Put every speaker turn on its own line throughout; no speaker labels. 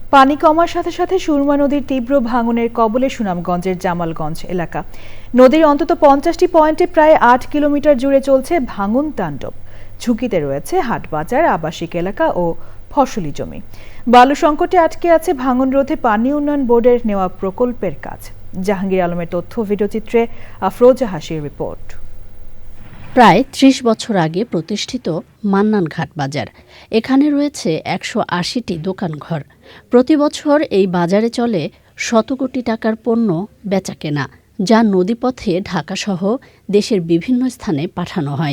পানি কমার সাথে সাথে সুরমা নদীর তীব্র ভাঙনের কবলে সুনামগঞ্জের জামালগঞ্জ এলাকা। নদীর অন্তত 50টি পয়েন্টে প্রায় 8 কিলোমিটার জুড়ে চলছে ভাঙন তাণ্ডব। ঝুঁকিতে রয়েছে হাটবাজার, আবাসিক এলাকা ও ফসলি জমি। বালু সংকটে আটকে আছে ভাঙন রোধে পানি উন্নয়ন বোর্ডের নেওয়া প্রকল্পের কাজ। জাহাঙ্গীর আলমের তথ্য, ভিডিওচিত্রে আফরোজা হাসির রিপোর্ট।
প্রায় ৩০ বছর আগে প্রতিষ্ঠিত মান্নান ঘাট বাজার। এখানে রয়েছে ১৮০টি দোকানঘর। প্রতি বছর এই বাজারে চলে শত কোটি টাকার পণ্য বেচাকেনা, যা নদীপথে ঢাকাসহ দেশের বিভিন্ন স্থানে পাঠানো হয়।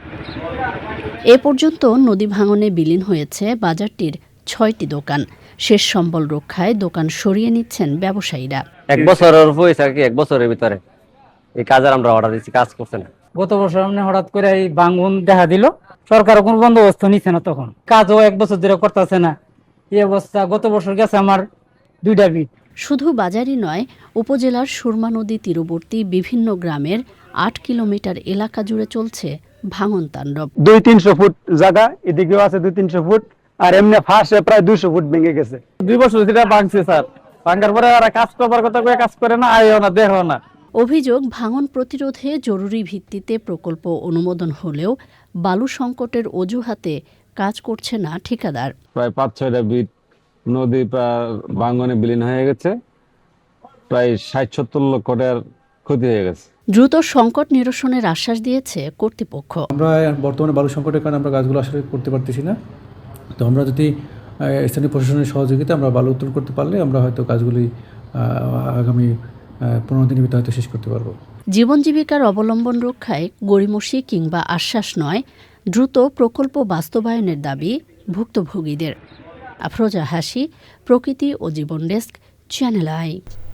এ পর্যন্ত নদী ভাঙনে বিলীন হয়েছে বাজারটির ৬টি দোকান। শেষ সম্বল রক্ষায় দোকান সরিয়ে নিচ্ছেন ব্যবসায়ীরা।
এক বছরের হয়েছে আর কি, এক বছরের ভিতরে এই কাজের আমরা অর্ডার দিচ্ছি, কাজ করছে না।
গত বছর হঠাৎ করে এই ভাঙন দেখা দিল, সরকার কোনো বন্দোবস্ত নিচ্ছে না, তখন কাজও এক বছর ধরে করতেছে না। এই অবস্থা গত বছর গেছে আমার 2টা বিট।
শুধু বাজারই নয়, উপজেলার সুরমা নদী তীরবর্তী বিভিন্ন গ্রামের 8 কিলোমিটার এলাকা জুড়ে চলছে ভাঙন তাণ্ডব।
200-300 ফুট জায়গা, এদিকেও আছে 200-300 ফুট, আর এমনি ফাঁসে প্রায় 200 ফুট ভেঙে গেছে।
2 বছর যেটা ভাঙছে স্যার, ভাঙার পরে আর কাজ করবার কথা করে কাজ করে না, আয়ও না, দেখো না।
অভিযোগ, ভাঙন প্রতিরোধে জরুরি ভিত্তিতে প্রকল্প অনুমোদন হলেও বালু সংকটের অজুহাতে কাজ করছে না ঠিকাদার।
প্রায় 5-6টা বিট নদী ভাঙনে বিলীন হয়ে গেছে, প্রায় 60-70 লক্ষ টাকার ক্ষতি হয়ে গেছে।
দ্রুত সংকট নিরসনের আশ্বাস দিয়েছে কর্তৃপক্ষ।
আমরা বর্তমানে বালু সংকটের কারণে আমরা কাজগুলো আসলে করতে পারতেছি না। তো আমরা যদি স্থানীয় প্রশাসনের সহযোগিতা আমরা বালু উত্তোলন করতে পারলে আমরা হয়তো কাজগুলি আগামী 15 দিনের ভিতরে হয়তো শেষ করতে পারবো।
জীবন জীবিকার অবলম্বন রক্ষায় গড়িমসি কিংবা আশ্বাস নয়, দ্রুত প্রকল্প বাস্তবায়নের দাবি ভুক্তভোগীদের। আফরোজা হাসি, প্রকৃতি ও জীবন ডেস্ক, চ্যানেল আই।